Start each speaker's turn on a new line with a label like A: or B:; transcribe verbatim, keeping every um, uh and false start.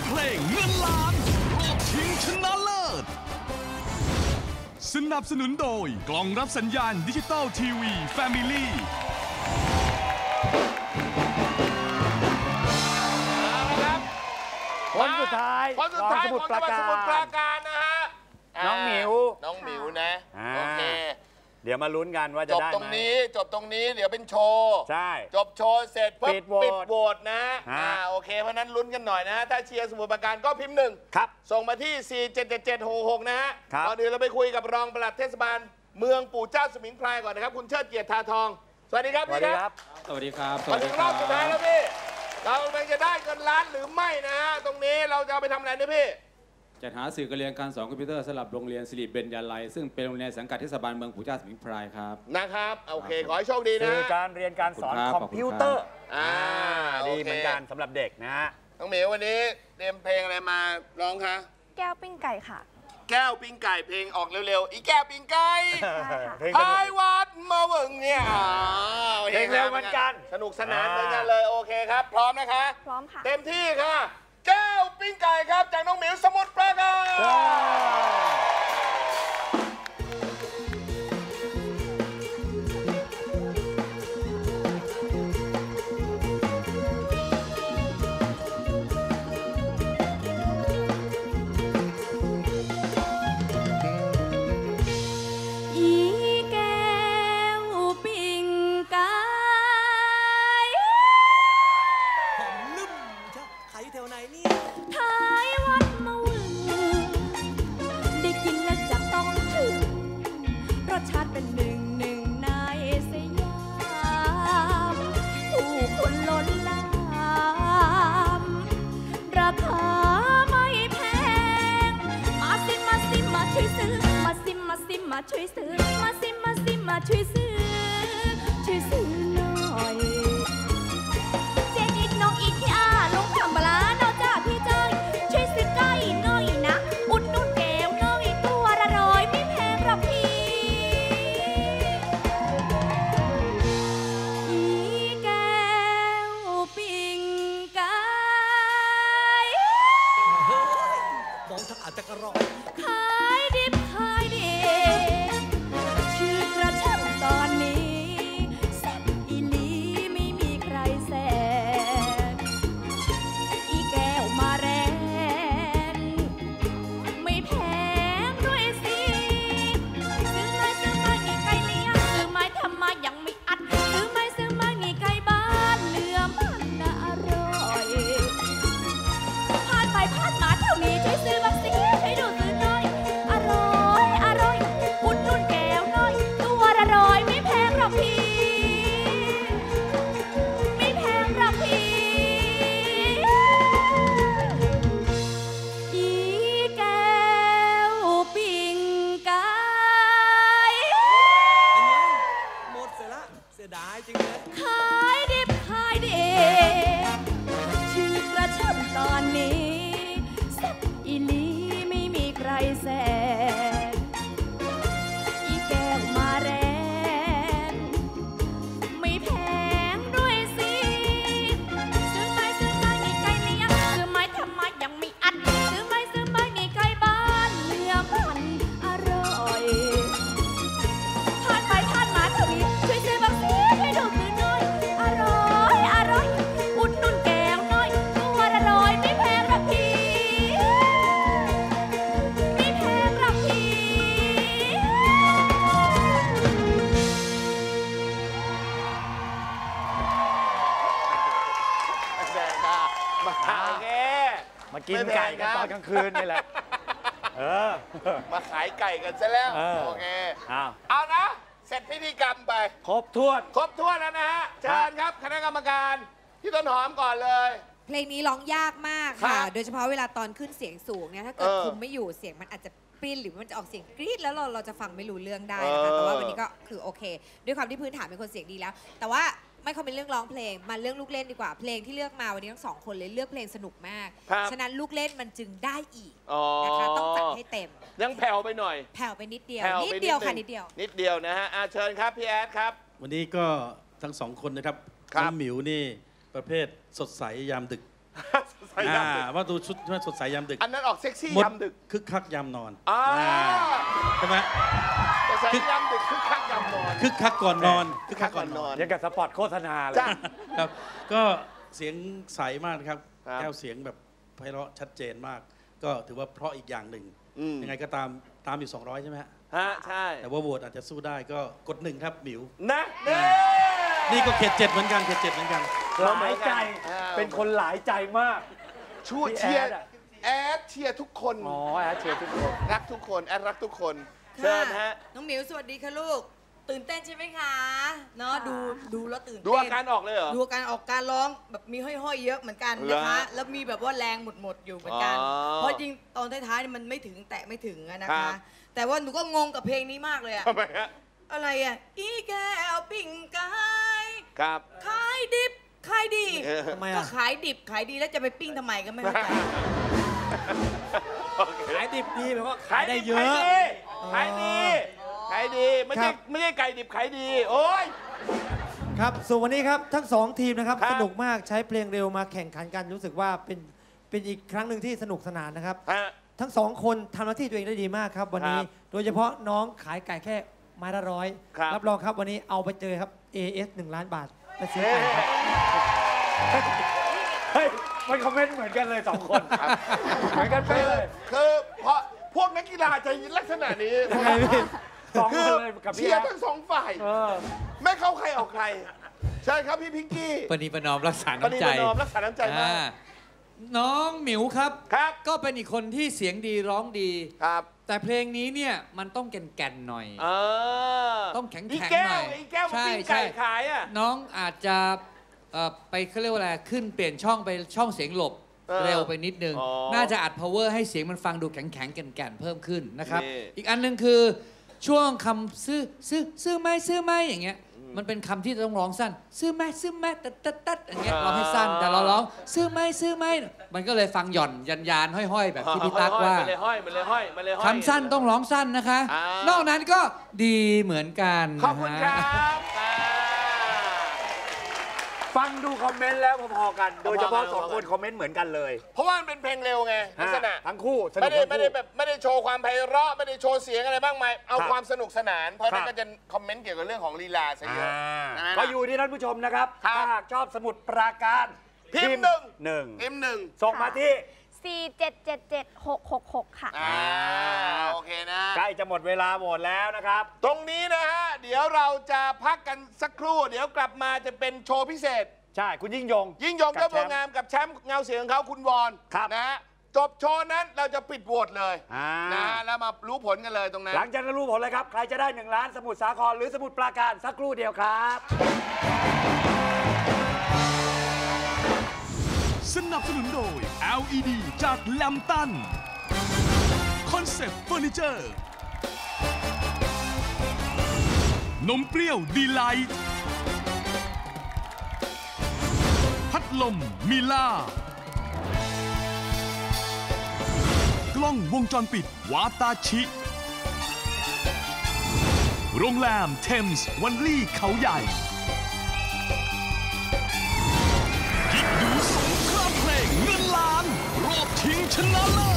A: เพลงเงินล้านรอบชิงชนะเลิศสนับสนุนโดยกล่องรับสัญญาณดิจิตอลทีวีแฟมิลี่
B: คนสุดท้าย
C: คนสุดท้ายของจังหวัดสมุทรปราการนะฮะ
B: น้องหมิว
C: น้องหมิวนะโอเค
B: เดี๋ยวมาลุ้นกันว่าจะได้ไหมจบตรงนี้
C: จบตรงนี้เดี๋ยวเป็นโชว์ใช่จบโชว์เสร็จปุ๊บปิดโหวตนะอ่าโอเคเพราะนั้นลุ้นกันหน่อยนะฮะถ้าเชียร์สมุทรปราการก็พิมพ์หนึ่งครับส่งมาที่สี่เจ็ดเจ็ดเจ็ดหกหกนะฮะก่อนอื่นเราไปคุยกับรองปลัดเทศบาลเมืองปู่เจ้าสมิงพรายก่อนนะครับคุณเชิดเกียรติทาทองสวัสดีครับพี่ครับ
D: สวัสดีครับ
C: มาถึงรอบสุดท้ายแล้วพี่เรากำลังจะได้เงินล้านหรือไม่นะฮะตรงนี้เราจะเอาไปทำอะไรเนี่ยพี่
D: จัดหาสื่อการเรียนการสอนคอมพิวเตอร์สำหรับโรงเรียนสิริเบญญาลัยซึ่งเป็นโรงเรียนสังกัดเทศบาลเมืองปู่เจ้าสมิงพรายครับ
C: นะครับโอเคขอให้โชคดีนะ
B: สื่อการเรียนการสอนคอมพิวเตอร์อ่าดีเหมือนกันสำหรับเด็กนะฮะ
C: น้องเหมียววันนี้เตรียมเพลงอะไรมาร้องคะ
E: แก้วปิ้งไก่ค่ะ
C: แก้วปิ้งไก่เพลงออกเร็วๆอีแก้วปิ้งไก่พายวัดมาเบิ่งเนี่ย
B: เพลงเร็วเหมือนกัน
C: สนุกสนานเหมือนกันเลยโอเคครับพร้อมนะคะ
E: พร้อมค่ะ
C: เต็มที่ค่ะแก้วปิ้งไก่ครับจากน้องหมิวสมุทรปราการ
E: มาช่วยซื้อมาซิมาซิมาช่วยซื้อช่วยซื้อหน่อยเจนิดน้องอีที่อาลงคำบลาน้องจ้าพี่เจ้ยช่วยซื้อไก่น้อยนะอุดนุ่นแก้วน้อยตัวละร้อยไม่แพงหรอกพี่อีแก้วปิ้งไก่
F: เฮ้ยมองถ้าอาจจะกระรอก
E: ขายดิบขายดีตอนนี้แซ่บอีหลีไม่มีใครแซงอีแก้วมาแรงไม่แพงด้วยสิซื้อไม้ซื้อไม้นี่ไก่เลี้ยงซื้อไม้ทำมายังไม่อัดซื้อไม้ซื้อไม้นี่ไก่บ้านเนื้อมันน่าอร่อยผ่านไปผ่านมาแถวนี้ช่วยซื้อบักซี่ให้ดูซื้อหน่อยอร่อยอร่อยอุ่นนุ่นแก้วน้อยตัวละร้อยไม่แพงหรอกพี่ไม่แพงหรอกพี่อีแก้วปิ้งไก่
F: หมดเสียละเสียดายจริงเลย
E: ขายดิบขายดีชื่อกระช่ำตอนนี้แซ่บอีหลีไม่มีใครแซงอีแก้วมาแรงไม่แพงด้วยสิซื้อไม้ซื้อไม้นี่ไก่เลี้ยงซื้อไม้ทำมายังไม่อัดซื้อไม้ซื้อไม้นี่ไก่บ้านเนื้อมันอร่อยผ่านไปผ่านมาเท่านี้ช่วยซื้อบักซี่ให้ดูซื้อหน่อยอร่อยอร่อยอุ่นนุ่นแก้วน้อยตัวละร้อยไม่แพงหรอกพี่ไม่แพงหรอกพี่
C: แซงค่ะมาโอเค
B: มากินไก่กันตอนกลางคืนนี่แหละเออ
C: มาขายไก่กันซะแล้วโอเคเอานะเสร็จพิธีกรรมไป
B: ครบถ้วน
C: ครบถ้วนแล้วนะฮะเชิญครับคณะกรรมการพี่ต้นหอมก่อนเลย
G: เพลงนี้ร้องยากมากค่ะโดยเฉพาะเวลาตอนขึ้นเสียงสูงเนี่ยถ้าเกิดคุมไม่อยู่เสียงมันอาจจะปริ้นหรือมันจะออกเสียงกรี๊ดแล้วเราเราจะฟังไม่รู้เรื่องได้นะคะแต่ว่าวันนี้ก็คือโอเคด้วยความที่พื้นฐานเป็นคนเสียงดีแล้วแต่ว่าไม่ค่อยเป็นเรื่องร้องเพลงมาเรื่องลูกเล่นดีกว่าเพลงที่เลือกมาวันนี้ทั้งสองคนเลยเลือกเพลงสนุกมากฉะนั้นลูกเล่นมันจึงได้อีกนะคะต้องจัดให้เต็ม
C: ยังแผ่วไปหน่อย
G: แผ่วไปนิดเดียวนิดเดียวค่ะนิดเดียว
C: นิดเดียวนะฮะเชิญครับพี่แอดครับ
H: วันนี้ก็ทั้งสองคนนะครับน้องหมิวนี่ประเภทสดใสยามดึก
C: สยามดึก
H: ว่าดูชุดสดใสยามดึก
C: อันนั้นออกเซ็กซี่
H: มด
C: ยามดึก
H: คึกคักยามนอน
C: อ่า
H: ใช่ไหม
C: สดใสยามดึกคึกคักยามนอน
H: คึกคักก่อนนอน
C: คึกคักก่อนนอน
B: ยังกับสปอตโฆษณาเลย
C: จ้ะ
H: ครับก็เสียงใสมากนะครับ
C: ครับ
H: แก้วเสียงแบบไพเราะชัดเจนมาก ก็ถือว่าเพราะอีกอย่างหนึ่ง
C: อืม
H: ยังไงก็ตามตามอยู่ สองร้อย ใช่ไหมฮะ
C: ฮะใช่
H: แต่ว่าโหวตอาจจะสู้ได้ก็กดหนึ่งครับหมิว
C: นะเน่
H: นี่ก็เขตเจ็ดเหมือนกันเขตเจ็ดเหมือนกัน
B: หลายใจ เป็นคนหลายใจมาก
C: ช่วย
B: พี่
C: เชียร์
B: แอดอะ
C: แอดเชียร์ทุกคน
B: อ๋อแอดเชียร์ทุกคน
C: รักทุกคนแอดรักทุกคนเชิญฮะ
I: น้องหมิวสวัสดีค่ะลูก ตื่นเต้นใช่ไหมคะเนาะดูดูแล้วตื่นเต้น
C: ดูอาการออกเลยเหรอ
I: ดูอาการออกการร้องแบบมีห้อยๆเยอะเหมือนกัน
C: เหรอ
I: นะคะ แล้วมีแบบว่าแรงหมดๆอยู่เหมือนกัน
C: อ๋อ
I: เพราะจริงตอนท้ายๆเนี่ยมันไม่ถึงแตะไม่ถึงอะนะ
C: ครั
I: คะ
C: บ
I: แต่ว่าหนูก็งงกับเพลงนี้มากเลยอะ
C: ทำไมฮะ
I: อะไรอะอีแก้วปิ่งกาย
C: ครับ
I: ขายดิบขายดี
C: เออ
F: ทำไม
I: ก็
F: อ่ะ
I: ขายดิบขายดีแล้วจะไปปิ้งทำไมก็ไม่เข้าใจ
F: ขายดิบดีแปลว่า
C: ขา
F: ขาย ย
C: ได้
F: ได้
C: เย
F: เย
C: อะ
F: อะ
C: ขายดีขายดีไม่
F: ครั
C: ใช่
F: บ
C: ไม่ใช่ไก่ดิบขายดี โอ้ย
J: ครับส่วนวันนี้ครับทั้งสองทีมนะครับ
C: ครับ
J: สนุกมากใช้เพลงเร็วมาแข่งขันกันรู้สึกว่าเป็นเป็นอีกครั้งหนึ่งที่สนุกสนานนะครับ
C: ฮะ
J: ทั้งสองคนทำหน้าที่ตัวเองได้ดีมากครับวันนี้
C: ครับ
J: โดยเฉพาะน้องขายไก่แค่ไม้ละร้อย
C: ครับ
J: รับรองครับวันนี้เอาไปเจอครับ เอ เอส หนึ่งล้านบาทไปซื้อไก่ครับ
B: เฮ้ย มันคอมเมนต์เหมือนกันเลยสองคน เหมือนกันไปะเลย
C: คือเพราะพวกนักกีฬาจะลักษณะนี้
J: ยังไงพี่
B: สอง
C: คื
B: ค
C: อน
B: เลยกับ
C: เชี
B: พี่
C: ย
B: แอ
C: ร์
B: ด
C: ทั้งสองฝ่าย
B: เออ
C: ไม่เข้าใครออกใครใช่ครับพี่พิงกี้
K: ปณีประนอมรักษา
C: ปณี
K: น้ำใจ
C: ประนอมรักษาน้ำใจมาก
K: อ่าน้องหมิวครับ
C: ครับ
K: ก็เป็นอีกคนที่เสียงดีร้องดี
C: ครับ
K: แต่เพลงนี้เนี่ยมันต้องแก่นๆหน่อย
C: เออ
K: ต้องแข็งๆ
C: อีแก้
K: หน่
C: ว
K: อย
C: อีแก้วมา
K: ใช่
C: ปิ้ง
K: ใช่
C: ไก่ขายอ่ะ
K: น้องอาจจะเอ่อไปเขาเรียกว่าอะไรขึ้นเปลี่ยนช่องไปช่องเสียงหลบ
C: เออ
K: เร็วไปนิดนึง
C: อ๋อ
K: น่าจะอัด power ให้เสียงมันฟังดูแข็งๆแก่นๆเพิ่มขึ้นนะครับ
C: นี่
K: อีกอันหนึงคือช่วงคำซื้อซื้อซื้อไหมซื้อไหมอย่างเงี้ยมันเป็นคำที่ต้องร้องสั้น ซื้อไหมซื้อไหมตัดตัดตัดอย่างเงี้ยร้องให้สั้นแต่เราร้องซื้อไหมซื้อไหมมันก็เลยฟังหย่อนยันยานห้อยๆ แบบที่พี่ตั๊กว่า
C: มันเลยห้อยมันเลยห้อยมันเลยห้อย
K: คำสั้นต้องร้องสั้นนะคะ
C: อ่าน
K: อกนั้นก็ดีเหมือนกัน
C: ขอบคุณค
K: นะ
C: รั
K: ฮะ
C: บอ่า
B: ฟังดูคอมเมนต์แล้วพอๆกัน โดยเฉพาะ
C: พอๆกัน
B: สองคนคอมเมนต์เหมือนกันเลย
C: เพราะว่ามันเป็นเพลงเร็วไงลักษณะ
B: ทั้งคู่สนุ
C: ไม่
B: ก
C: ได้
B: ทั้ง
C: ไม่ได้
B: คู่
C: แบบไม่ได้โชว์ความไพเราะไม่ได้โชว์เสียงอะไรบ้างไหมายเอา
B: ครับ
C: ความสนุกสนาน เพราะนั่
B: ครั
C: น
B: บ
C: ก็จะคอมเมนต์เกี่ยวกับเรื่องของลีลาซะเยอะ
B: อ่า
C: นะ
B: ก็อยู่ที่ท่านผู้ชมนะครับ
C: ครับ
B: ถ้าหากชอบสมุดปราการ
C: พิมพ์หนึ่ง
B: หนึ่ง
C: เอ็มหนึ่ง
B: ส่งมาที่
L: สี่เจ็ดเจ็ดเจ็ดหกหกหกค่ะ
C: อ่าโอเคนะ
B: ใกล้จะหมดเวลาโหวตแล้วนะครับ
C: ตรงนี้นะฮะ เดี๋ยวเราจะพักกันสักครู่ เดี๋ยวกลับมาจะเป็นโชว์พิเศษ
B: ใช่ คุณยิ่งยง
C: ยิ่งยง
B: กั
C: เจ้า
B: บ
C: บัว
B: แชมป์
C: งามกับแชมป์เงาเสียงของเขาคุณวอน
B: ครับ
C: นะฮะจบโชว์นั้นเราจะปิดโหวตเลย
B: อ่า
C: นะฮะแล้วมารู้ผลกันเลยตรงนั้น
B: หลังจากนั้นรู้ผลเลยครับ ใครจะได้หนึ่งล้านสมุดสาครหรือสมุดปราการสักครู่เดียวครับ
A: สนับสนุนโดย แอล อี ดี จากแลมตันคอนเซปต์เฟอร์นิเจอร์นมเปรี้ยวดีไลท์พัดลมมิล่ากล้องวงจรปิดวาตาชิ โรงแรมเทมส์วันลี่เขาใหญ่ยิกดูสงครามเพลงเงินล้านรอบชิงชนะเลิศ